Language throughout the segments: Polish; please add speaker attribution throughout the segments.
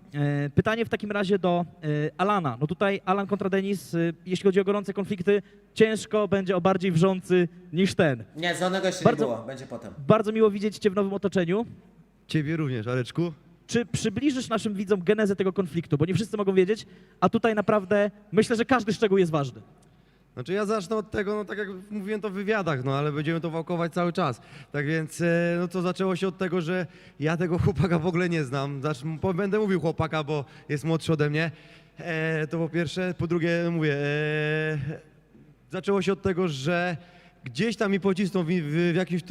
Speaker 1: Pytanie w takim razie do Alana. No tutaj Alan kontra Denis, jeśli chodzi o gorące konflikty, ciężko będzie o bardziej wrzący niż ten.
Speaker 2: Nie, zielonego jeszcze
Speaker 1: Bardzo-
Speaker 2: nie było, będzie potem.
Speaker 1: Bardzo miło widzieć Cię w nowym otoczeniu.
Speaker 3: Ciebie również, Areczku.
Speaker 1: Czy przybliżysz naszym widzom genezę tego konfliktu? Bo nie wszyscy mogą wiedzieć, a tutaj naprawdę myślę, że każdy szczegół jest ważny.
Speaker 3: Znaczy ja zacznę od tego, no tak jak mówiłem to w wywiadach, no ale będziemy to wałkować cały czas. Tak więc, no to zaczęło się od tego, że ja tego chłopaka w ogóle nie znam. Będę mówił chłopaka, bo jest młodszy ode mnie. To po pierwsze. Po drugie, mówię, zaczęło się od tego, że gdzieś tam mi pocisnął w jakimś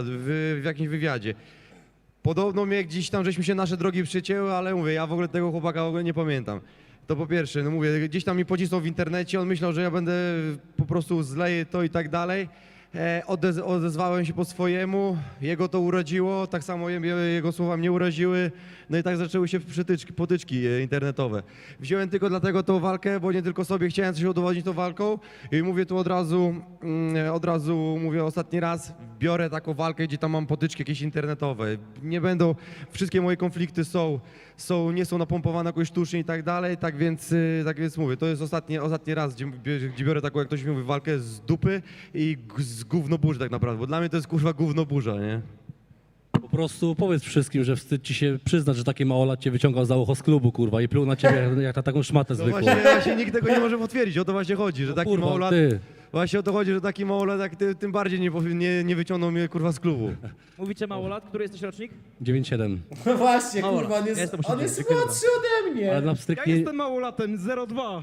Speaker 3: w jakimś wywiadzie. Podobno mnie gdzieś tam, żeśmy się nasze drogi przycięły, ale mówię, ja w ogóle tego chłopaka w ogóle nie pamiętam. To po pierwsze, no mówię, gdzieś tam mi pocisnął w internecie, on myślał, że ja będę po prostu zleję to i tak dalej. Odezwałem się po swojemu, jego to uraziło, tak samo jego słowa mnie uraziły, no i tak zaczęły się potyczki internetowe. Wziąłem tylko dlatego tą walkę, bo nie tylko sobie chciałem coś udowodnić tą walką i mówię tu od razu mówię ostatni raz, biorę taką walkę, gdzie tam mam potyczki jakieś internetowe. Nie będą, wszystkie moje konflikty nie są napompowane jakoś sztucznie i tak dalej, tak więc mówię, to jest ostatni raz, gdzie biorę taką, jak ktoś mówi, walkę z dupy i z gównoburzy tak naprawdę, bo dla mnie to jest kurwa gównoburza, nie?
Speaker 4: Po prostu powiedz wszystkim, że wstyd ci się przyznać, że taki małolat cię wyciągał za ucho z klubu, kurwa, i pluł na ciebie jak na taką szmatę
Speaker 3: No
Speaker 4: zwykłą.
Speaker 3: właśnie nikt tego nie może potwierdzić, o to właśnie chodzi, że taki
Speaker 4: Kurwa,
Speaker 3: małolat,
Speaker 4: ty.
Speaker 3: właśnie o to chodzi, że taki małolat jak ty, tym bardziej nie wyciągnął mnie kurwa z klubu.
Speaker 1: Mówicie małolat, który jesteś rocznik?
Speaker 4: 9-7.
Speaker 2: No właśnie,
Speaker 1: Mało
Speaker 2: kurwa,
Speaker 1: lat.
Speaker 2: on
Speaker 1: Ja
Speaker 2: jest,
Speaker 1: jestem
Speaker 2: on jest
Speaker 1: dziękuję
Speaker 2: młodszy ode mnie.
Speaker 4: Ale na
Speaker 5: Ja
Speaker 4: pstryknie,
Speaker 5: jestem małolatem, 0,2.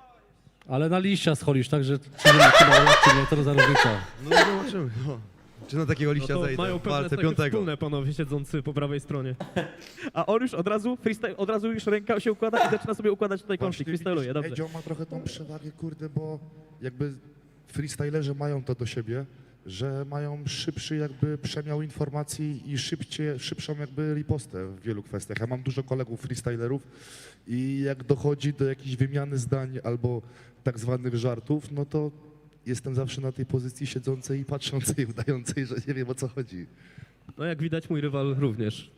Speaker 4: ale na liścia scholisz, także czy małolat, czy nie, to za różnica.
Speaker 3: No zobaczymy, no. Czy na takiego
Speaker 5: No
Speaker 3: liścia
Speaker 5: to
Speaker 3: zejdę
Speaker 5: mają
Speaker 3: w
Speaker 5: pewne
Speaker 3: walce
Speaker 5: cechy
Speaker 3: piątego.
Speaker 5: wspólne panowie siedzący po prawej stronie.
Speaker 1: A on już od razu freestyle, od razu już ręka się układa i zaczyna sobie układać tutaj konflikt. Freestyluje, dobrze.
Speaker 6: Edzio ma trochę tą przewagę, kurde, bo jakby freestylerzy mają to do siebie, że mają szybszy jakby przemiał informacji i szybszą jakby ripostę w wielu kwestiach. Ja mam dużo kolegów freestylerów i jak dochodzi do jakiejś wymiany zdań albo tak zwanych żartów, no to jestem zawsze na tej pozycji siedzącej i patrzącej, udającej, że nie wiem o co chodzi.
Speaker 5: No jak widać mój rywal również.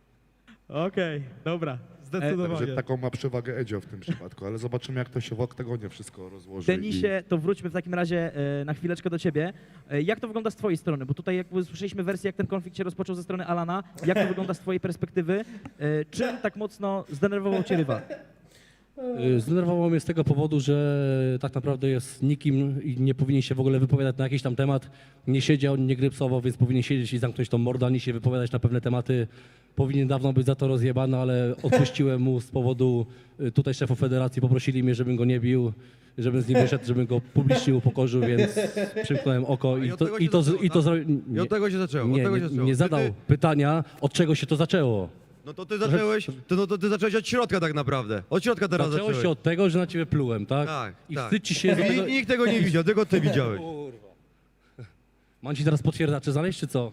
Speaker 1: Okej, dobra.
Speaker 5: Zdecydowanie.
Speaker 6: Także taką ma przewagę Edzio w tym przypadku, ale zobaczymy jak to się w oktagonie wszystko rozłoży.
Speaker 1: Denisie, to wróćmy w takim razie na chwileczkę do ciebie. Jak to wygląda z twojej strony? Bo tutaj jakby słyszeliśmy wersję, jak ten konflikt się rozpoczął ze strony Alana. Jak to wygląda z twojej perspektywy? Czym tak mocno zdenerwował cię rywal?
Speaker 4: Zdenerwowało mnie z tego powodu, że tak naprawdę jest nikim i nie powinien się w ogóle wypowiadać na jakiś tam temat. Nie siedział, nie grypsował, więc powinien siedzieć i zamknąć tą mordę, a nie się wypowiadać na pewne tematy. Powinien dawno być za to rozjebany, ale odpuściłem mu z powodu, tutaj szefów federacji poprosili mnie, żebym go nie bił, żebym z nim wyszedł, żebym go publicznie upokorzył, więc przymknąłem oko
Speaker 3: I od tego się zaczęło, I od tego się zaczęło,
Speaker 4: nie,
Speaker 3: od tego się zaczęło.
Speaker 4: nie zadał pytania, od czego się to zaczęło.
Speaker 3: No to ty zacząłeś, to ty zacząłeś od środka tak naprawdę. Od środka teraz
Speaker 4: Zaczęło
Speaker 3: zacząłeś.
Speaker 4: się od tego, że na ciebie plułem, tak?
Speaker 3: Tak,
Speaker 4: I
Speaker 3: tak.
Speaker 4: wstyd ci się... z tego-
Speaker 3: Nikt tego nie widział, tylko ty widziałeś.
Speaker 4: Mam ci teraz potwierdzacze znaleźć, czy co?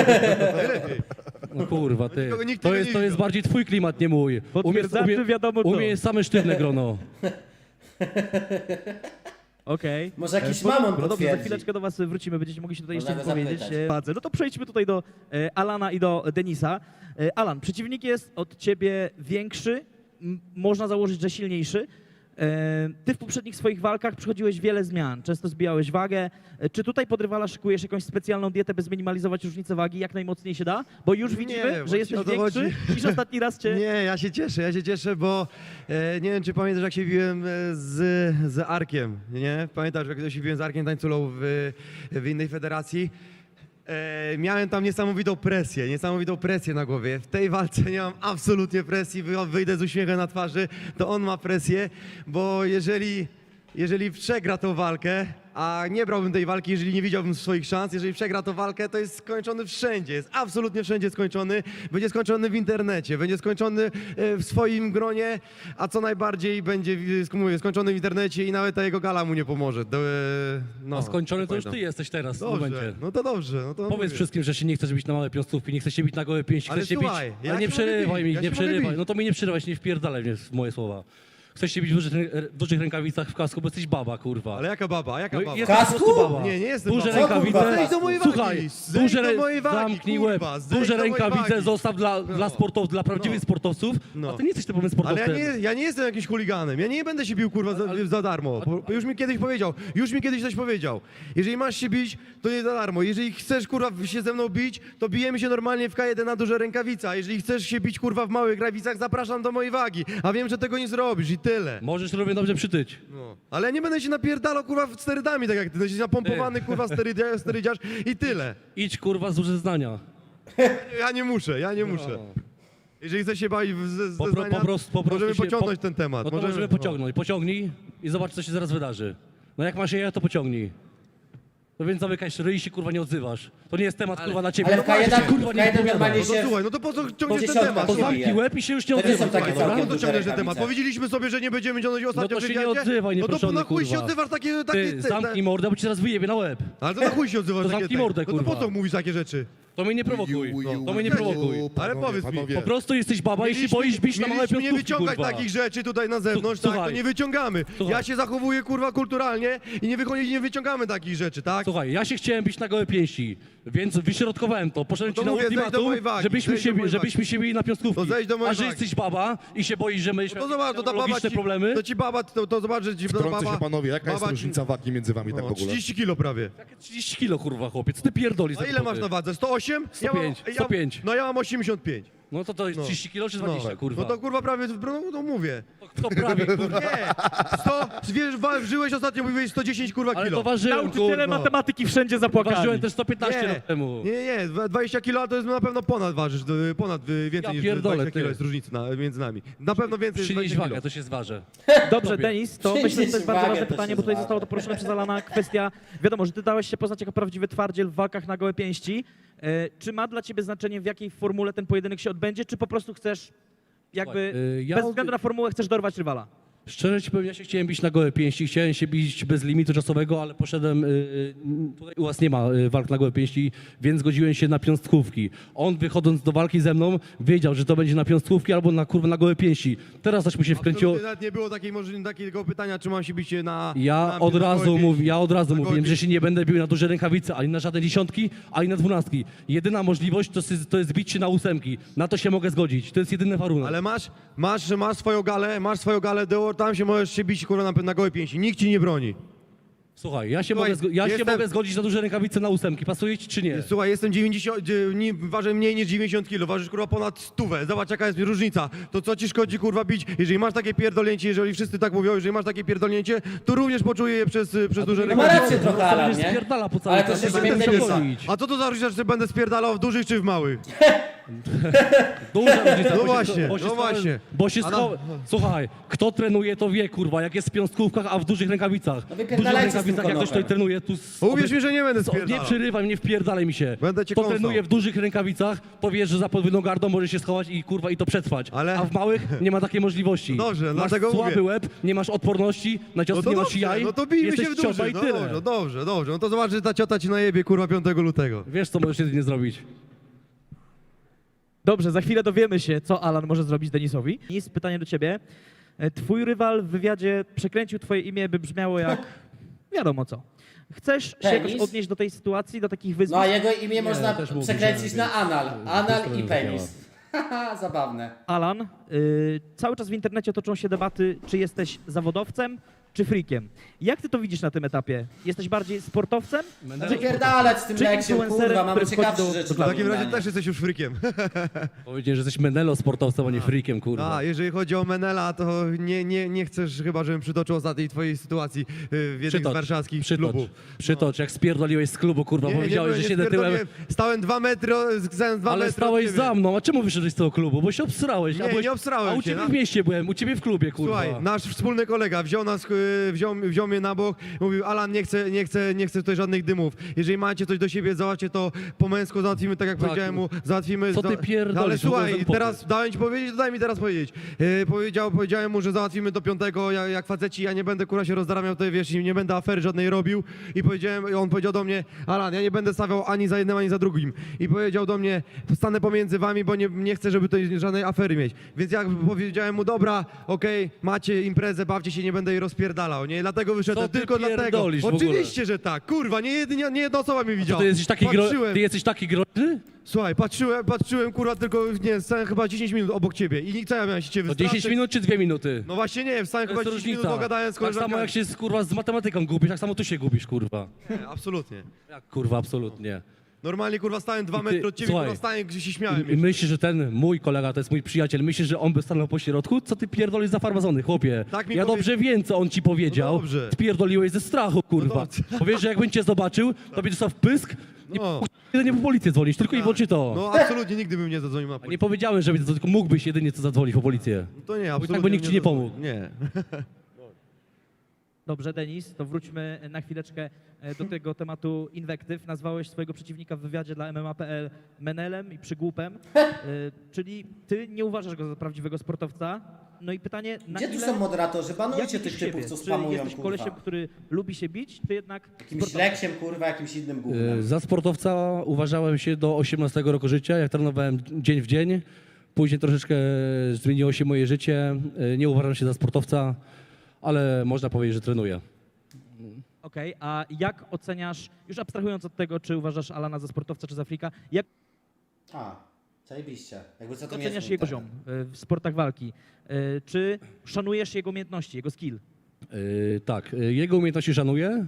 Speaker 4: No kurwa, ty.
Speaker 3: Nikt
Speaker 4: To
Speaker 3: tego
Speaker 4: jest,
Speaker 3: nie
Speaker 4: to jest
Speaker 3: widział.
Speaker 4: bardziej twój klimat, nie mój.
Speaker 1: Potwierdzaczy wiadomo co.
Speaker 4: U mnie jest same sztywne grono.
Speaker 1: Okej.
Speaker 2: Może jakiś
Speaker 1: No
Speaker 2: mamon
Speaker 1: dobrze, za
Speaker 2: potwierdzi.
Speaker 1: chwileczkę do was wrócimy, będziecie mogli się tutaj jeszcze
Speaker 2: Można go
Speaker 1: wypowiedzieć.
Speaker 2: zapytać.
Speaker 1: No to przejdźmy tutaj do Alana i do Denisa. Alan, przeciwnik jest od ciebie większy, można założyć, że silniejszy. Ty w poprzednich swoich walkach przychodziłeś wiele zmian, często zbijałeś wagę. Czy tutaj pod rywala szykujesz jakąś specjalną dietę, by zminimalizować różnicę wagi jak najmocniej się da? Bo już widzimy, że
Speaker 3: właśnie
Speaker 1: jesteś
Speaker 3: o to
Speaker 1: większy
Speaker 3: chodzi.
Speaker 1: niż ostatni raz cię...
Speaker 3: Nie, ja się cieszę, bo nie wiem, czy pamiętasz, jak się biłem z Arkiem, nie? Pamiętasz, jak się biłem z Arkiem Tańculą w innej federacji? Miałem tam niesamowitą presję na głowie. W tej walce nie mam absolutnie presji, wyjdę z uśmiechem na twarzy, to on ma presję, bo jeżeli przegra tą walkę, a nie brałbym tej walki, jeżeli nie widziałbym swoich szans, jeżeli przegra tą walkę, to jest skończony wszędzie, jest absolutnie wszędzie skończony, będzie skończony w internecie, będzie skończony w swoim gronie, a co najbardziej będzie, mówię, skończony w internecie i nawet ta jego gala mu nie pomoże. No,
Speaker 4: A skończony to już
Speaker 3: pamiętam.
Speaker 4: ty jesteś teraz w tym
Speaker 3: Dobrze,
Speaker 4: momencie.
Speaker 3: no to dobrze. No to
Speaker 4: Powiedz
Speaker 3: mówię.
Speaker 4: wszystkim, że się nie chcesz bić na małe piąstówki, nie chcesz się bić na gołe pięści,
Speaker 3: Ale
Speaker 4: chcesz się
Speaker 3: słuchaj,
Speaker 4: bić...
Speaker 3: ja
Speaker 4: Ale nie
Speaker 3: się mogę
Speaker 4: przerywaj
Speaker 3: bić,
Speaker 4: mi,
Speaker 3: ja
Speaker 4: nie
Speaker 3: się mogę
Speaker 4: przerywaj.
Speaker 3: bić.
Speaker 4: No to mi nie przerywaj, nie wpierdalaj mnie w moje słowa. Chcesz się bić w dużych rękawicach w kasku, bo jesteś baba, kurwa.
Speaker 3: Ale jaka baba, jaka
Speaker 4: No,
Speaker 3: baba?
Speaker 4: jesteś po prostu
Speaker 2: Kasku?
Speaker 4: baba.
Speaker 3: Nie, nie jestem
Speaker 4: Duże
Speaker 3: babą.
Speaker 4: rękawice.
Speaker 2: Co, kurwa,
Speaker 3: Zejdź do mojej wagi,
Speaker 4: Słuchaj,
Speaker 3: zejdź do mojej wagi,
Speaker 4: zamknij łeb.
Speaker 3: kurwa, zejdź
Speaker 4: Duże
Speaker 3: do mojej
Speaker 4: rękawice
Speaker 3: wagi.
Speaker 4: zostaw dla sportowców, dla prawdziwych sportowców,
Speaker 3: No.
Speaker 4: a ty nie jesteś typowym
Speaker 3: Ale
Speaker 4: sportowcem.
Speaker 3: ja nie jestem jakimś chuliganem, ja nie będę się bił kurwa za darmo. Bo już mi kiedyś powiedział, coś powiedział. Jeżeli masz się bić, to nie za darmo. Jeżeli chcesz kurwa się ze mną bić, to bijemy się normalnie w K1 na duże rękawice. A jeżeli chcesz się bić kurwa w małych rękawicach, zapraszam do mojej wagi. A wiem, że tego nie zrobisz i tyle.
Speaker 4: Możesz równie dobrze przytyć.
Speaker 3: No. Ale ja nie będę się napierdalał kurwa sterydami, tak jak ty. Jesteś napompowany kurwa sterydziarz i tyle.
Speaker 4: Idź kurwa z zeznania.
Speaker 3: Ja nie muszę. Jeżeli chcesz się bawić ze
Speaker 4: Po
Speaker 3: zdania,
Speaker 4: prostu
Speaker 3: możemy
Speaker 4: się-
Speaker 3: pociągnąć ten temat.
Speaker 4: No to możemy pociągnąć. Pociągnij i zobacz, co się zaraz wydarzy. No jak masz je, to pociągnij. No więc zamykaj ryj i się kurwa nie odzywasz. To nie jest temat kurwa na ciebie.
Speaker 2: Ale
Speaker 4: No
Speaker 2: w K1,
Speaker 4: właśnie, kurwa
Speaker 2: w
Speaker 4: nie
Speaker 2: K1
Speaker 4: wypowiadaj.
Speaker 2: normalnie
Speaker 3: No to
Speaker 2: się...
Speaker 3: słuchaj, no to po co ciągniesz ten
Speaker 2: dziesiątka
Speaker 3: temat?
Speaker 2: się
Speaker 4: To zamknij
Speaker 2: bije.
Speaker 4: łeb i się już nie
Speaker 2: To nie są
Speaker 4: odzywaj.
Speaker 2: takie
Speaker 4: kurwa,
Speaker 2: całkiem
Speaker 3: Po co
Speaker 2: duże
Speaker 3: ciągniesz ten
Speaker 2: rękawice.
Speaker 3: temat? Powiedzieliśmy sobie, że nie będziemy ciągnąć ostatnio
Speaker 4: No to
Speaker 3: w
Speaker 4: się nie
Speaker 3: wywiadzie.
Speaker 4: odzywaj,
Speaker 3: No to
Speaker 4: nieproszony,
Speaker 3: na chuj się
Speaker 4: kurwa.
Speaker 3: odzywasz takie...
Speaker 4: Ty zamknij mordę, bo ci teraz wyjebie na łeb.
Speaker 3: Ale to na chuj się odzywasz
Speaker 4: To
Speaker 3: takie...
Speaker 4: zamknij mordę,
Speaker 3: No to po
Speaker 4: kurwa.
Speaker 3: co mówisz takie rzeczy?
Speaker 4: To mnie nie prowokuj. To mnie nie
Speaker 3: No.
Speaker 4: prowokuj.
Speaker 3: Ale powiedz mi,
Speaker 4: Po prostu jesteś baba i się boisz bić na małe
Speaker 3: Mieliśmy nie
Speaker 4: piątkówki,
Speaker 3: wyciągać
Speaker 4: kurwa.
Speaker 3: takich rzeczy tutaj na zewnątrz, tak? To
Speaker 4: Słuchaj.
Speaker 3: nie wyciągamy.
Speaker 4: Słuchaj.
Speaker 3: Ja się zachowuję kurwa kulturalnie i nie wyciągamy takich rzeczy, tak?
Speaker 4: Słuchaj, ja się chciałem bić na gołe pięści, więc wyśrodkowałem to. Poszedłem
Speaker 3: No to
Speaker 4: ci na
Speaker 3: mówię, zejdź do
Speaker 4: ultimatum,
Speaker 3: mojej wagi,
Speaker 4: żebyśmy
Speaker 3: zejdź do mojej
Speaker 4: żebyśmy się bili na piątkówki.
Speaker 3: To zejdź do mojej
Speaker 4: A że
Speaker 3: wagi.
Speaker 4: jesteś baba i się boisz, że my
Speaker 3: No to zobacz, to ta baba
Speaker 4: logiczne
Speaker 3: ci,
Speaker 4: problemy.
Speaker 3: to ci baba, to zobacz, że ci ta
Speaker 6: Wtrącę
Speaker 3: baba...
Speaker 6: się panowie, jaka jest
Speaker 3: baba ci-
Speaker 6: różnica wagi między wami tak w
Speaker 3: No,
Speaker 6: ogóle?
Speaker 3: 30 kilo prawie.
Speaker 4: 30 kilo, kurwa, chłopiec, ty pierdolisz.
Speaker 3: A
Speaker 4: za
Speaker 3: ile masz
Speaker 4: głupoty.
Speaker 3: na wadze? 108?
Speaker 4: 105, 105.
Speaker 3: No ja mam 85.
Speaker 4: No to jest 30 kilo czy 20, kurwa?
Speaker 3: No to kurwa prawie, no mówię.
Speaker 4: To prawie, kurwa.
Speaker 3: Nie, 100, wiesz, żyłeś ostatnio, mówiłeś 110 kurwa
Speaker 4: Ale
Speaker 3: kilo.
Speaker 4: to ważyłem,
Speaker 1: Nauczyciele
Speaker 4: kurwa.
Speaker 1: matematyki wszędzie zapłakali.
Speaker 4: Ważyłem też 115 lat temu.
Speaker 3: Nie, 20 kilo to jest na pewno ponad ważysz, więcej
Speaker 4: Ja
Speaker 3: niż
Speaker 4: pierdolę,
Speaker 3: 20 kilo
Speaker 4: ty.
Speaker 3: jest różnica między nami. Na pewno więcej niż
Speaker 4: Przynieś
Speaker 3: 20 kilo.
Speaker 4: wagę, to się zważy.
Speaker 1: Dobrze,
Speaker 4: Tobie.
Speaker 1: Denis, to myślę, że to jest
Speaker 2: Przynieś
Speaker 1: bardzo
Speaker 2: wagę,
Speaker 1: ważne
Speaker 2: to
Speaker 1: pytanie,
Speaker 2: się
Speaker 1: bo tutaj
Speaker 2: zważy.
Speaker 1: zostało to poruszone przez Alana kwestia, wiadomo, że ty dałeś się poznać jako prawdziwy twardziel w walkach na gołe pięści. Czy ma dla ciebie znaczenie, w jakiej formule ten pojedynek się odbędzie, czy po prostu chcesz jakby,
Speaker 4: Słuchaj, ja
Speaker 1: bez
Speaker 4: od-
Speaker 1: względu na formułę, chcesz dorwać rywala?
Speaker 4: Szczerze ci powiem, ja się chciałem bić na gołe pięści, chciałem się bić bez limitu czasowego, ale poszedłem, tutaj u was nie ma walk na gołe pięści, więc zgodziłem się na piąstkówki. On wychodząc do walki ze mną wiedział, że to będzie na piąstkówki albo na kurwa na gołe pięści. Teraz też mu się wkręciło.
Speaker 3: Absolutnie nawet nie było takiego pytania, czy mam się bić na...
Speaker 4: Ja
Speaker 3: na
Speaker 4: od razu
Speaker 3: gołe pięści.
Speaker 4: mówiłem, że się nie będę bił na duże rękawice, ani na żadne dziesiątki, ani na dwunastki. Jedyna możliwość to jest bić się na ósemki. Na to się mogę zgodzić. To jest jedyny warunek.
Speaker 3: Ale masz swoją galę, tam się możesz się bić kurwa na gołe pięści. Nikt ci nie broni.
Speaker 4: Słuchaj, ja się,
Speaker 3: Słuchaj,
Speaker 4: się mogę zgodzić na duże rękawice na ósemki. Pasuje ci czy nie?
Speaker 3: Słuchaj, jestem 90, ważę mniej niż 90 kg, ważysz kurwa ponad 100. Zobacz jaka jest różnica. To co ci szkodzi kurwa bić? Jeżeli masz takie pierdolnięcie, jeżeli wszyscy tak mówią, jeżeli masz takie pierdolnięcie, to również poczuję je przez duże
Speaker 2: No ma
Speaker 3: rękawice.
Speaker 2: rację trochę, Alan, nie?
Speaker 4: Spierdala po całym
Speaker 2: Ale to
Speaker 4: świecie,
Speaker 2: się
Speaker 4: będę
Speaker 2: zmieni
Speaker 4: musiał
Speaker 2: Denisa.
Speaker 4: gonić.
Speaker 3: A co to za różnica, czy będę spierdalał w dużych czy w małych?
Speaker 4: Duża różnica,
Speaker 3: No
Speaker 4: bo się-
Speaker 3: właśnie,
Speaker 4: bo się
Speaker 3: no
Speaker 4: schowa-
Speaker 3: właśnie.
Speaker 4: Bo się
Speaker 3: A na-
Speaker 4: schowa- Słuchaj, kto trenuje to wie, kurwa, jak jest w piąstkówkach, a w dużych rękawicach.
Speaker 2: No
Speaker 4: W dużych
Speaker 2: wypierdalajcie z tym
Speaker 4: rękawicach, jak ktoś
Speaker 2: konopem.
Speaker 4: tutaj trenuje, tu...
Speaker 3: Uwierz mi, że nie będę
Speaker 4: Nie
Speaker 3: spierdalał.
Speaker 4: przerywaj mnie, wpierdalaj mi się.
Speaker 3: Będę cię
Speaker 4: To
Speaker 3: kąsał.
Speaker 4: trenuje w dużych rękawicach, to wiesz, że za podwójną gardą może się schować i kurwa i to przetrwać.
Speaker 3: Ale-
Speaker 4: A w małych nie ma takiej możliwości.
Speaker 3: Dobrze,
Speaker 4: masz
Speaker 3: dlatego
Speaker 4: słaby
Speaker 3: mówię.
Speaker 4: łeb, nie masz odporności, na ciosy
Speaker 3: No to
Speaker 4: nie masz
Speaker 3: dobrze,
Speaker 4: jaj,
Speaker 3: no to bijmy
Speaker 4: jesteś
Speaker 3: się w
Speaker 4: cioba
Speaker 3: duży.
Speaker 4: i
Speaker 3: No
Speaker 4: tyle.
Speaker 3: dobrze. No to zobacz, że ta ciota ci najebie kurwa 5 lutego.
Speaker 4: Wiesz, co możesz jedynie zrobić.
Speaker 1: Dobrze, za chwilę dowiemy się, co Alan może zrobić Denisowi. Denis, pytanie do ciebie. Twój rywal w wywiadzie przekręcił twoje imię, by brzmiało jak wiadomo co. Chcesz się
Speaker 2: Penis?
Speaker 1: jakoś odnieść do tej sytuacji, do takich
Speaker 2: No
Speaker 1: wyzwań?
Speaker 2: a jego imię można
Speaker 4: też mówi,
Speaker 2: przekręcić
Speaker 4: że-
Speaker 2: na anal. Anal i
Speaker 4: strony
Speaker 2: penis. Haha, zabawne.
Speaker 1: Alan, cały czas w internecie toczą się debaty, czy jesteś zawodowcem, czy freakiem. Jak ty to widzisz na tym etapie? Jesteś bardziej sportowcem?
Speaker 2: Wypierdalać z tym
Speaker 1: Czy
Speaker 2: leksiem,
Speaker 1: influencerem,
Speaker 2: kurwa, mamy
Speaker 1: który wchodzi
Speaker 2: ciekawsze
Speaker 1: do-
Speaker 2: rzeczy
Speaker 1: do
Speaker 2: do
Speaker 3: W takim razie
Speaker 2: oglądania.
Speaker 3: też jesteś już frykiem.
Speaker 4: Powiedziałem, że jesteś menelo sportowcem, a nie freakiem, kurwa.
Speaker 3: A, jeżeli chodzi o Menela, to nie chcesz chyba, żebym przytoczył ostatniej twojej sytuacji w jednym z warszawskich klubów.
Speaker 4: Przytocz, jak spierdoliłeś z klubu, kurwa, powiedziałeś, że siedzę tyłem,
Speaker 3: Stałem 2 metry, zając 2
Speaker 4: ale
Speaker 3: metry
Speaker 4: stałeś
Speaker 3: od ciebie.
Speaker 4: za mną. A czemu wyszedłeś z tego klubu? Bo się obsrałeś.
Speaker 3: Nie,
Speaker 4: a byłeś,
Speaker 3: nie obsrałem
Speaker 4: A u
Speaker 3: się,
Speaker 4: ciebie
Speaker 3: no.
Speaker 4: w mieście byłem, u ciebie w klubie, kurwa.
Speaker 3: Słuchaj, nasz wspólny kolega wziął nas wziął mnie na bok, mówił: Alan, nie chcę tutaj żadnych dymów. Jeżeli macie coś do siebie, załatwcie to po męsku, załatwimy tak jak
Speaker 4: Tak.
Speaker 3: powiedziałem mu, załatwimy...
Speaker 4: Co ty pierdolisz?
Speaker 3: Ale
Speaker 4: W ogóle
Speaker 3: słuchaj,
Speaker 4: ten
Speaker 3: teraz dałem ci powiedzieć, to daj mi teraz powiedzieć. Powiedziałem mu, że załatwimy do 5, jak faceci, ja nie będę kurwa się rozdaramiał tutaj, wiesz, i nie będę afery żadnej robił. I on powiedział do mnie: Alan, ja nie będę stawiał ani za jednym, ani za drugim. I powiedział do mnie: stanę pomiędzy wami, bo nie chcę, żeby tutaj żadnej afery mieć. Więc jak powiedziałem mu: dobra, okej, macie imprezę, bawcie się, nie będę jej rozpierdalał, nie? Dlatego wyszedłem,
Speaker 4: Co ty
Speaker 3: tylko dlatego.
Speaker 4: pierdolisz w ogóle?
Speaker 3: Oczywiście, że tak, kurwa, nie jedna osoba mnie widziała.
Speaker 4: Ty jesteś taki,
Speaker 3: Patrzyłem.
Speaker 4: ty jesteś taki groźny?
Speaker 3: Słuchaj, patrzyłem, kurwa, tylko, nie, stałem chyba 10 minut obok ciebie i co ja miałem się ciebie
Speaker 4: To
Speaker 3: wystraszyć?
Speaker 4: 10 minut czy 2 minuty?
Speaker 3: No właśnie nie, wstałem
Speaker 4: To
Speaker 3: chyba
Speaker 4: jest
Speaker 3: 10 minut,
Speaker 4: różnica.
Speaker 3: pogadałem z
Speaker 4: Tak
Speaker 3: koleżankami.
Speaker 4: samo jak się kurwa z matematyką gubisz, tak samo tu się gubisz, kurwa.
Speaker 3: Nie, absolutnie.
Speaker 4: Jak kurwa, absolutnie.
Speaker 3: Normalnie, kurwa, stałem 2
Speaker 4: I ty-
Speaker 3: metry od ciebie,
Speaker 4: słuchaj,
Speaker 3: kurwa, stałem, gdzie się śmiałem.
Speaker 4: I myślisz, że ten mój kolega, to jest mój przyjaciel, myślisz, że on by stanął po środku? Co ty pierdolisz za farmazony, chłopie?
Speaker 3: Tak mi
Speaker 4: Ja
Speaker 3: powie-
Speaker 4: dobrze wiem, co on ci powiedział.
Speaker 3: No dobrze.
Speaker 4: Spierdoliłeś ze strachu, kurwa.
Speaker 3: dobrze.
Speaker 4: Powiesz, że jakbym cię zobaczył, to by dostał w pysk i
Speaker 3: No.
Speaker 4: jedynie po policję dzwonić, tylko i wyłącznie to.
Speaker 3: No absolutnie nigdy bym nie zadzwonił na
Speaker 4: A nie
Speaker 3: policję.
Speaker 4: powiedziałem, żeby to, tylko mógłbyś jedynie co zadzwonić po policję.
Speaker 3: To nie,
Speaker 4: tak,
Speaker 3: absolutnie
Speaker 4: bo nikt ci nie
Speaker 3: zadzwonił.
Speaker 4: pomógł.
Speaker 3: Nie.
Speaker 1: Dobrze, Denis, to wróćmy na chwileczkę do tego tematu inwektyw. Nazwałeś swojego przeciwnika w wywiadzie dla MMA.pl menelem i przygłupem, czyli ty nie uważasz go za prawdziwego sportowca. No i pytanie, na
Speaker 2: Gdzie tu
Speaker 1: ile...
Speaker 2: są moderatorzy?
Speaker 1: jak
Speaker 2: Banujcie
Speaker 1: widzisz
Speaker 2: tych typów,
Speaker 1: siebie?
Speaker 2: co
Speaker 1: Czy
Speaker 2: spamują,
Speaker 1: jesteś
Speaker 2: kurwa.
Speaker 1: kolesiem, który lubi się bić, czy jednak
Speaker 2: Jakimś
Speaker 1: sportowcem?
Speaker 2: leksiem, kurwa, jakimś innym gównem.
Speaker 4: Za sportowca uważałem się do 18 roku życia, jak trenowałem dzień w dzień. Później troszeczkę zmieniło się moje życie. Nie uważam się za sportowca, ale można powiedzieć, że trenuję.
Speaker 1: Okej, a jak oceniasz, już abstrahując od tego, czy uważasz Alana za sportowca, czy za frika, jak
Speaker 2: A, zajebiście. Jakby co to nie
Speaker 1: oceniasz
Speaker 2: jest
Speaker 1: jego
Speaker 2: mój
Speaker 1: poziom w sportach walki? Czy szanujesz jego umiejętności, jego skill?
Speaker 4: Tak, jego umiejętności szanuję.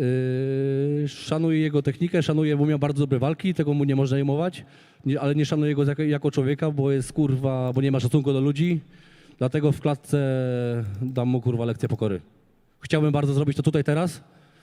Speaker 4: Szanuję jego technikę, szanuję, bo miał bardzo dobre walki, tego mu nie można jmować, ale nie szanuję go jako człowieka, bo jest kurwa, bo nie ma szacunku do ludzi. Dlatego w klatce dam mu kurwa lekcję pokory. Chciałbym bardzo zrobić to tutaj teraz.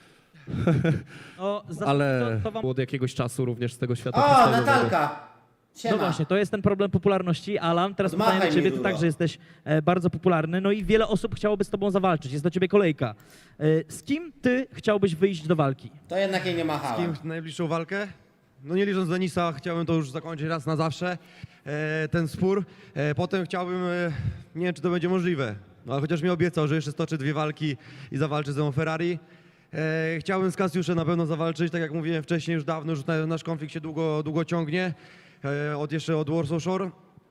Speaker 1: No,
Speaker 4: Ale-
Speaker 1: to wam...
Speaker 5: Od jakiegoś czasu również z tego świata
Speaker 2: O,
Speaker 5: freestyle'owego.
Speaker 2: Natalka! Siema.
Speaker 1: No właśnie, to jest ten problem popularności. Alan, teraz
Speaker 2: Odmachaj
Speaker 1: pytanie do
Speaker 2: mi,
Speaker 1: ciebie, ty
Speaker 2: Ruro.
Speaker 1: także jesteś bardzo popularny, no i wiele osób chciałoby z tobą zawalczyć, jest do ciebie kolejka. Z kim ty chciałbyś wyjść do walki?
Speaker 2: To jednak jej nie
Speaker 3: Z
Speaker 2: machałem.
Speaker 3: kim najbliższą walkę? No nie licząc Denisa, chciałbym to już zakończyć raz na zawsze, ten spór. Potem chciałbym, nie wiem czy to będzie możliwe, no, ale chociaż mi obiecał, że jeszcze stoczy 2 walki i zawalczy ze mną Ferrari. Chciałbym z Kasiuszem na pewno zawalczyć, tak jak mówiłem wcześniej, już dawno, już nasz konflikt się długo ciągnie, jeszcze od Warsaw Shore.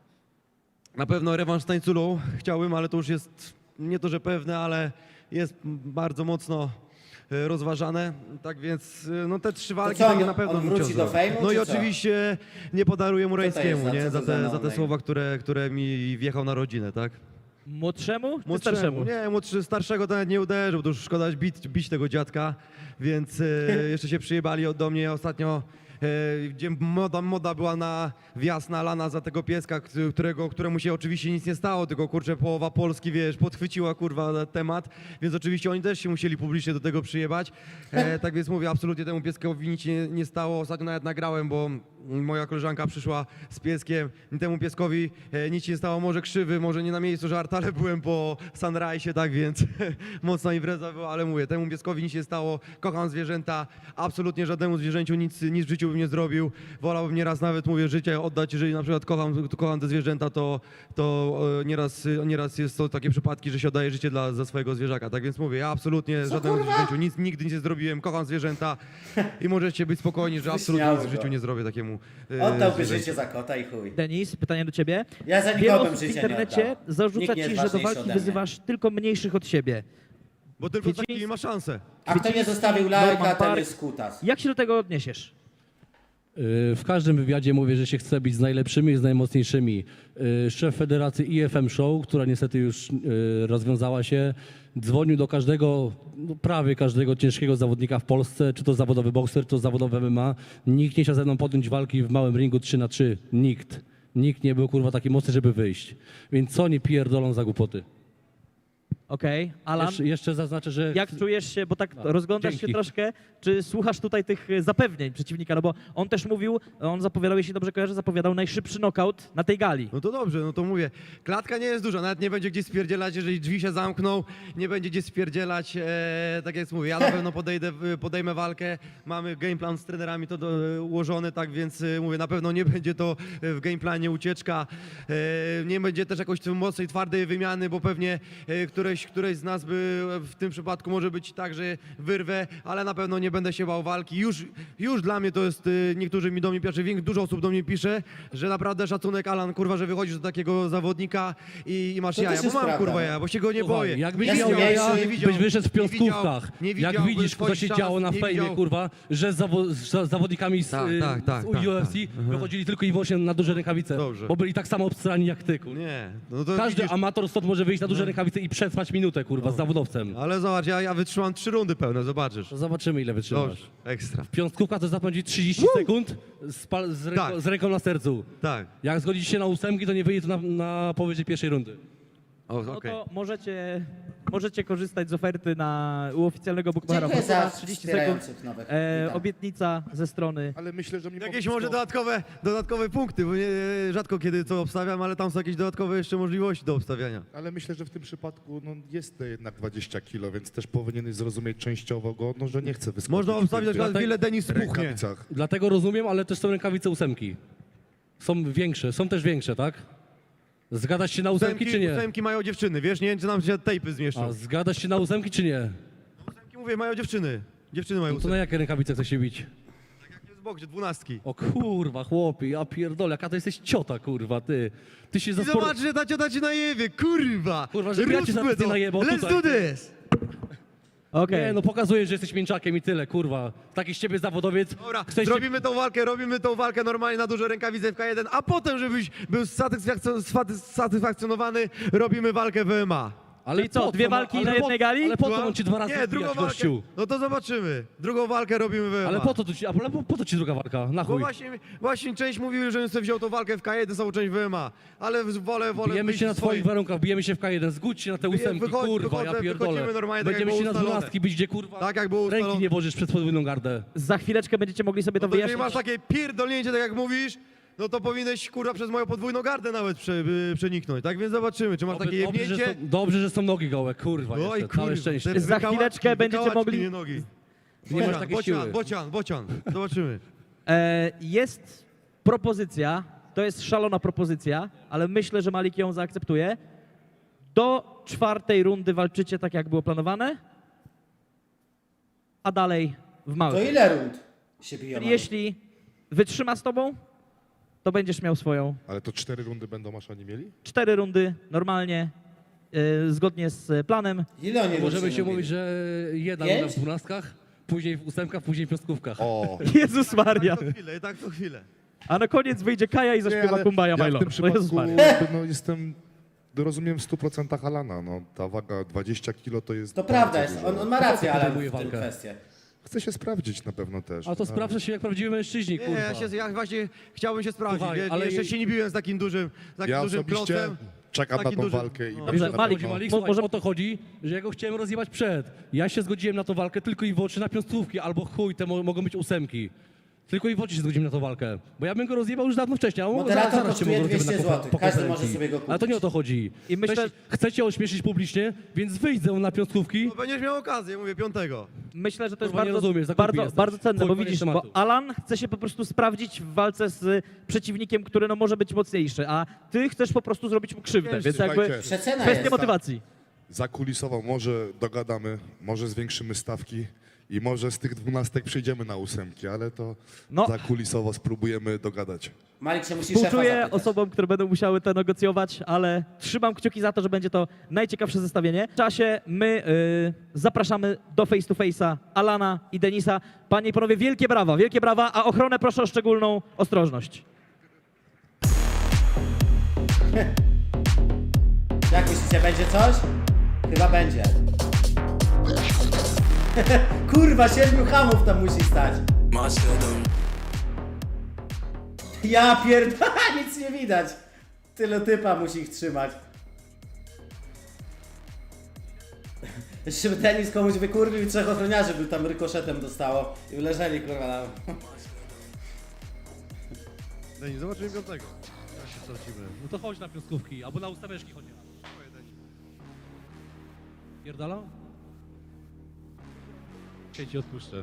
Speaker 3: Na pewno rewanż z Tańculą chciałbym, ale to już jest nie to, że pewne, ale jest bardzo mocno rozważane. Tak więc no te 3 walki
Speaker 2: co,
Speaker 3: takie
Speaker 2: on-
Speaker 3: na pewno
Speaker 2: on
Speaker 3: bym
Speaker 2: wróci
Speaker 3: chciał
Speaker 2: do
Speaker 3: zrobić.
Speaker 2: fejmu,
Speaker 3: No i
Speaker 2: czy co?
Speaker 3: oczywiście nie podaruję mu
Speaker 2: Co to jest
Speaker 3: Rańskiemu,
Speaker 2: za-
Speaker 3: nie?
Speaker 2: co
Speaker 3: Za
Speaker 2: to za
Speaker 3: te
Speaker 2: no-name?
Speaker 3: słowa, które mi wjechał na rodzinę, tak?
Speaker 1: Młodszemu czy starszemu?
Speaker 3: Nie, starszego to nawet nie uderzył, to już szkoda bić tego dziadka, więc jeszcze się przyjebali do mnie ostatnio, gdzie moda była na wjazd na Alana za tego pieska, któremu się oczywiście nic nie stało, tylko kurczę połowa Polski, wiesz, podchwyciła kurwa temat, więc oczywiście oni też się musieli publicznie do tego przyjebać. Tak więc mówię, absolutnie temu pieskowi nic się nie stało. Ostatnio nawet nagrałem, bo moja koleżanka przyszła z pieskiem, temu pieskowi nic się nie stało, może krzywy, może nie na miejscu żart, ale byłem po Sunrise, tak więc mocna impreza była, ale mówię, temu pieskowi nic się nie stało, kocham zwierzęta, absolutnie żadnemu zwierzęciu nic w życiu bym nie zrobił, wolałbym nieraz nawet, mówię, życie oddać, jeżeli na przykład kocham te zwierzęta, to nieraz jest to takie przypadki, że się oddaje życie za swojego zwierzaka, tak więc mówię, ja absolutnie żadnemu zwierzęciu nigdy nie zrobiłem, kocham zwierzęta i możecie być spokojni, że absolutnie nic w życiu nie zrobię takiemu
Speaker 2: Oddałby
Speaker 3: zwierzęciu.
Speaker 2: życie za kota i chuj.
Speaker 1: Denis, pytanie do ciebie.
Speaker 2: Ja za
Speaker 1: Wiele
Speaker 2: nikogo bym
Speaker 1: osób w
Speaker 2: życia nie
Speaker 1: internecie
Speaker 2: oddał.
Speaker 1: zarzuca
Speaker 2: Nikt nie
Speaker 1: ci,
Speaker 2: jest
Speaker 1: że do
Speaker 2: ważniejszy
Speaker 1: walki
Speaker 2: ode mnie.
Speaker 1: wyzywasz tylko mniejszych od siebie.
Speaker 3: Bo tylko
Speaker 1: Wiedźmiński-
Speaker 3: taki ma szansę.
Speaker 2: A kto nie zostawił
Speaker 1: Norman
Speaker 2: lajka, ten
Speaker 1: Park.
Speaker 2: jest kutas.
Speaker 1: Jak się do tego odniesiesz?
Speaker 4: W każdym wywiadzie mówię, że się chce bić z najlepszymi i z najmocniejszymi. Szef Federacji IFM Show, która niestety już rozwiązała się, dzwonił do każdego, no prawie każdego ciężkiego zawodnika w Polsce, czy to zawodowy bokser, czy to zawodowy MMA. Nikt nie chciał ze mną podjąć walki w małym ringu 3-3. Nikt. Nikt nie był kurwa taki mocny, żeby wyjść. Więc co oni pierdolą za głupoty?
Speaker 1: Okej, Alan,
Speaker 4: Jeszcze zaznaczę, że...
Speaker 1: jak czujesz się, bo tak rozglądasz się
Speaker 4: dzięki.
Speaker 1: troszkę, czy słuchasz tutaj tych zapewnień przeciwnika, no bo on też mówił, on zapowiadał, jeśli dobrze kojarzę, zapowiadał najszybszy knockout na tej gali.
Speaker 3: No to dobrze, no to mówię. Klatka nie jest duża, nawet nie będzie gdzieś spierdzielać, jeżeli drzwi się zamkną, nie będzie gdzieś spierdzielać, tak jak mówię, ja na pewno podejmę walkę, mamy game plan z trenerami to ułożony, tak więc mówię, na pewno nie będzie to w game planie ucieczka, nie będzie też jakoś mocnej, twardej wymiany, bo pewnie któreś z nas by w tym przypadku może być tak, że wyrwę, ale na pewno nie będę się bał walki. Już dla mnie to jest, niektórzy mi do mnie pisze, dużo osób do mnie pisze, że naprawdę szacunek, Alan, kurwa, że wychodzisz do takiego zawodnika i masz
Speaker 2: To też
Speaker 3: jaja, bo
Speaker 2: jest
Speaker 3: mam
Speaker 2: prawda,
Speaker 3: kurwa
Speaker 2: no.
Speaker 3: jaja, bo się go nie
Speaker 4: Słuchaj,
Speaker 3: boję.
Speaker 4: Jakbyś
Speaker 2: Ja
Speaker 4: miał
Speaker 2: nie
Speaker 4: jaja,
Speaker 2: widział-
Speaker 4: byś wyszedł w piątkówkach.
Speaker 3: nie widział,
Speaker 4: Jak widzisz, kto
Speaker 3: twoich
Speaker 4: się
Speaker 3: szans,
Speaker 4: działo na
Speaker 3: nie
Speaker 4: fejmie,
Speaker 3: widział.
Speaker 4: kurwa, że z zawodnikami z,
Speaker 3: Tak, tak,
Speaker 4: z
Speaker 3: tak,
Speaker 4: UFC
Speaker 3: tak.
Speaker 4: wychodzili tylko i wyłącznie na duże rękawice,
Speaker 3: Dobrze.
Speaker 4: bo byli tak samo obstrani jak ty, kurwa.
Speaker 3: Nie, no to
Speaker 4: Każdy
Speaker 3: widzisz,
Speaker 4: amator stąd może wyjść na duże rękawice i przetrwać minutę, kurwa, z zawodowcem.
Speaker 3: ale zobacz, ja wytrzymam 3 rundy pełne, zobaczysz.
Speaker 4: To zobaczymy, ile wytrzymasz.
Speaker 3: Dobrze, ekstra.
Speaker 4: Piątkówka to zapędzi 30 sekund
Speaker 3: Tak.
Speaker 4: z ręką na sercu.
Speaker 3: Tak,
Speaker 4: Jak zgodzicie się na ósemki, to nie wyjdzie to na powyżej pierwszej rundy.
Speaker 1: No
Speaker 3: okej.
Speaker 1: to możecie korzystać z oferty u oficjalnego bookmachera.
Speaker 2: Dziękuję za
Speaker 1: 30 sekund.
Speaker 2: wspierających nowych. Witam.
Speaker 1: Obietnica ze strony.
Speaker 6: Ale myślę, że mimo
Speaker 3: Jakieś
Speaker 6: wszystko-
Speaker 3: może dodatkowe punkty, bo rzadko kiedy to obstawiam, ale tam są jakieś dodatkowe jeszcze możliwości do obstawiania.
Speaker 6: Ale myślę, że w tym przypadku no, jest to jednak 20 kilo, więc też powinieneś zrozumieć częściowo go, no, że nie chce wyskoczyć.
Speaker 3: Można obstawić na
Speaker 6: w
Speaker 3: przykład,
Speaker 6: tych
Speaker 3: ile Denis spuchnie.
Speaker 6: rękawicach.
Speaker 4: Dlatego rozumiem, ale też są rękawice ósemki. Są większe, są też większe, tak? Zgadasz się na ósemki, czy nie?
Speaker 3: Ósemki mają dziewczyny, wiesz, nie wiem, czy nam się tejpy zmieszczą.
Speaker 4: A zgadasz się na ósemki, czy nie?
Speaker 3: Ósemki, mówię, mają dziewczyny. Dziewczyny mają
Speaker 4: No to na
Speaker 3: ósemki.
Speaker 4: jakie rękawice chce się bić?
Speaker 3: Jest w boksie, 12.
Speaker 4: O kurwa, chłopie, ja pierdolę, jaka to jesteś ciota, kurwa, ty. Ty się
Speaker 3: I
Speaker 4: za
Speaker 3: zobacz, że ta ciota ci najebie, kurwa!
Speaker 4: Kurwa, żeby ja cię
Speaker 3: Róbmy
Speaker 4: zaraz nie
Speaker 3: to.
Speaker 4: najebał
Speaker 3: Let's
Speaker 4: tutaj.
Speaker 3: do this!
Speaker 1: Okej.
Speaker 4: Nie, no pokazujesz, że jesteś mięczakiem i tyle, kurwa. Taki z ciebie zawodowiec.
Speaker 3: Dobra,
Speaker 4: Chcesz się...
Speaker 3: robimy tą walkę normalnie na duże rękawice w K1, a potem, żebyś był satysfakcjonowany, robimy walkę w MMA.
Speaker 4: Ale
Speaker 1: Czyli co,
Speaker 4: po
Speaker 1: dwie
Speaker 4: no,
Speaker 1: walki
Speaker 4: ale
Speaker 1: na jednej gali?
Speaker 4: Ale po co on ci dwa razy
Speaker 3: Nie, drugą
Speaker 4: wbijać,
Speaker 3: walkę.
Speaker 4: gościu?
Speaker 3: No to zobaczymy. Drugą walkę robimy w MMA.
Speaker 4: Ale po co ci druga walka? Na
Speaker 3: Bo
Speaker 4: chuj.
Speaker 3: właśnie część mówił, że sobie wziął tą walkę w K1, całą część w MMA. Ale wolę
Speaker 4: Bijemy
Speaker 3: wyjść
Speaker 4: się na
Speaker 3: swoim.
Speaker 4: twoich warunkach, bijemy się w K1, zgódź się na te ósemki, kurwa, ja pierdolę.
Speaker 3: wychodzimy normalnie, tak
Speaker 4: Będziemy
Speaker 3: jak
Speaker 4: się
Speaker 3: było
Speaker 4: na
Speaker 3: ustalone.
Speaker 4: 12 bić, gdzie kurwa
Speaker 3: Tak jak było ustalone.
Speaker 4: ręki nie włożysz przed podwójną gardę.
Speaker 1: Za chwileczkę będziecie mogli sobie to
Speaker 3: No to jeżeli
Speaker 1: wyjaśnić.
Speaker 3: masz takie pierdolnięcie, tak jak mówisz, no to powinieneś, kurwa, przez moją podwójną gardę nawet przeniknąć. Tak więc zobaczymy, czy masz takie jebnięcie.
Speaker 4: Dobrze, że są nogi gołe, kurwa,
Speaker 3: Oj,
Speaker 4: jeszcze, całe
Speaker 3: kurwa,
Speaker 4: szczęście.
Speaker 3: te
Speaker 1: Za chwileczkę będziecie
Speaker 3: wykałaczki,
Speaker 1: mogli-
Speaker 3: nie nogi.
Speaker 4: Nie masz takiej siły.
Speaker 3: Bocian. Zobaczymy.
Speaker 1: Jest propozycja, to jest szalona propozycja, ale myślę, że Malik ją zaakceptuje. Do 4. rundy walczycie tak, jak było planowane, a dalej w
Speaker 2: To
Speaker 1: małych.
Speaker 2: ile rund się biją?
Speaker 1: Czyli jeśli wytrzyma z tobą, to będziesz miał swoją
Speaker 6: Ale to 4 rundy będą maszani mieli?
Speaker 1: 4 rundy normalnie, zgodnie z planem.
Speaker 2: Ile oni
Speaker 4: Możemy
Speaker 2: rund
Speaker 4: się
Speaker 2: robili?
Speaker 4: mówić, że jedna
Speaker 2: Pięć?
Speaker 4: runda w 12, później w ósemkach, później w piątkówkach.
Speaker 6: O!
Speaker 1: Jezus Maria.
Speaker 3: Tak co chwilę.
Speaker 1: A na koniec wyjdzie Kaja i zaśpiewa
Speaker 6: ale
Speaker 1: Kumbaya
Speaker 6: ja
Speaker 1: My
Speaker 6: w
Speaker 1: Lord.
Speaker 6: tym
Speaker 1: No Jezus
Speaker 6: przypadku
Speaker 1: Maria.
Speaker 6: jakby, no, rozumiem w 100% Alana. No, ta waga 20 kilo to jest...
Speaker 2: To
Speaker 6: bardzo
Speaker 2: prawda jest,
Speaker 6: dużo.
Speaker 2: on ma rację, ale
Speaker 4: podejmuje
Speaker 2: w tym
Speaker 4: walkę?
Speaker 2: kwestię.
Speaker 6: Chce się sprawdzić na pewno też.
Speaker 4: A to sprawdza się jak prawdziwi mężczyźni,
Speaker 3: Nie,
Speaker 4: kurwa.
Speaker 3: ja właśnie chciałbym się sprawdzić.
Speaker 4: Słuchaj,
Speaker 3: ale
Speaker 4: ale-
Speaker 3: jeszcze się nie biłem z takim dużym
Speaker 6: Ja
Speaker 3: dużym
Speaker 6: osobiście
Speaker 3: klocem.
Speaker 6: czekam na
Speaker 3: Taki
Speaker 6: tą
Speaker 3: duży-
Speaker 6: walkę i
Speaker 3: no.
Speaker 6: będę
Speaker 1: Dobrze,
Speaker 6: na
Speaker 1: Malik,
Speaker 6: pewno-
Speaker 4: Malik,
Speaker 1: Mo-
Speaker 4: słuchaj,
Speaker 1: może-
Speaker 4: o to chodzi, że ja go chciałem rozjebać przed. Ja się zgodziłem na tą walkę tylko i wyłącznie na piątkówki, albo chuj, te mogą być ósemki. Tylko i wyłącznie się zgodziłem na tą walkę. Bo ja bym go rozjebał już dawno wcześniej, a on
Speaker 2: Moderator
Speaker 4: zaraz cię
Speaker 2: kosztuje
Speaker 4: mógł rozjebać
Speaker 2: 200
Speaker 4: na
Speaker 2: złotych. Każdy może
Speaker 4: konferencji.
Speaker 2: sobie go kupić.
Speaker 4: Ale to nie o to chodzi.
Speaker 1: I myślę-
Speaker 4: Chcecie ośmieszyć publicznie, więc wyjdę na piątkówki.
Speaker 3: No, będziesz miał okazję, mówię, 5.
Speaker 1: Myślę, że to jest
Speaker 4: Kurwa, nie
Speaker 1: bardzo,
Speaker 4: rozumiesz, za głupi
Speaker 1: bardzo,
Speaker 4: jesteś.
Speaker 1: bardzo cenne,
Speaker 4: Chuj,
Speaker 1: bo
Speaker 4: koniec
Speaker 1: widzisz, bo
Speaker 4: tematu.
Speaker 1: Alan chce się po prostu sprawdzić w walce z przeciwnikiem, który no może być mocniejszy, a ty chcesz po prostu zrobić mu krzywdę,
Speaker 6: Wiesz,
Speaker 1: więc jakby
Speaker 6: słuchajcie,
Speaker 2: Przecena
Speaker 1: kwestia
Speaker 2: jest.
Speaker 1: motywacji.
Speaker 6: Zakulisowo może dogadamy, może zwiększymy stawki i może z tych 12 przejdziemy na 8, ale to
Speaker 1: No.
Speaker 6: zakulisowo spróbujemy dogadać.
Speaker 2: Malik się musi szefa
Speaker 1: Współczuję
Speaker 2: zapytać.
Speaker 1: osobom, które będą musiały to negocjować, ale trzymam kciuki za to, że będzie to najciekawsze zestawienie. W czasie my zapraszamy do face to face'a Alana i Denisa. Panie i panowie, wielkie brawa, a ochronę proszę o szczególną ostrożność.
Speaker 2: Jak myślicie, będzie coś? Chyba będzie. Kurwa, 7 hamów tam musi stać. Ja pierdolę, nic nie widać. Tylu typa musi ich trzymać. Jeszcze by Denis komuś wykurwił i 3 ochroniarzy by tam rykoszetem dostało i leżeli kurwa na...
Speaker 3: Denis, zobaczymy piątego. Jak się stracimy.
Speaker 4: No to chodź na piątkówki, albo na ustaweczki chodź. Pierdala? Cię ci odpuszczę.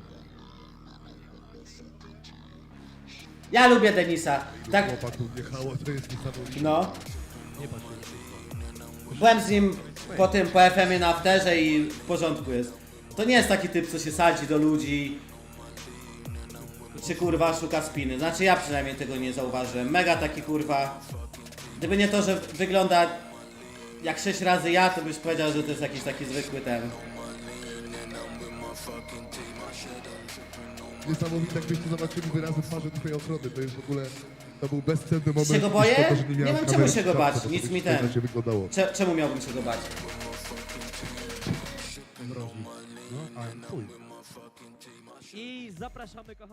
Speaker 2: Ja lubię Denisa. Tak,
Speaker 6: Chłopaków wjechało, to jest niesamowite.
Speaker 2: no.
Speaker 4: Nie patrz się.
Speaker 2: Byłem z nim po tym, po FM-ie na afterze i w porządku jest. To nie jest taki typ, co się sadzi do ludzi. Czy kurwa szuka spiny. Znaczy ja przynajmniej tego nie zauważyłem. Mega taki kurwa. Gdyby nie to, że wygląda jak 6 razy ja, to byś powiedział, że to jest jakiś taki zwykły ten.
Speaker 6: Niesamowite, jakbyście zobaczyli wyrazy twarzy twojej ochrony, to jest w ogóle, to był bezcenny moment.
Speaker 2: Się go boję?
Speaker 6: Szkoda, że
Speaker 2: Nie
Speaker 6: miałem
Speaker 2: mam czemu
Speaker 6: kamery
Speaker 2: się go
Speaker 6: w
Speaker 2: bać,
Speaker 6: szafce, bo
Speaker 2: nic
Speaker 6: to by
Speaker 2: mi
Speaker 6: zupełnie
Speaker 2: ten.
Speaker 6: inaczej wyglądało.
Speaker 2: Czemu miałbym się go bać?
Speaker 6: No, a chuj.
Speaker 1: I zapraszamy, kochani.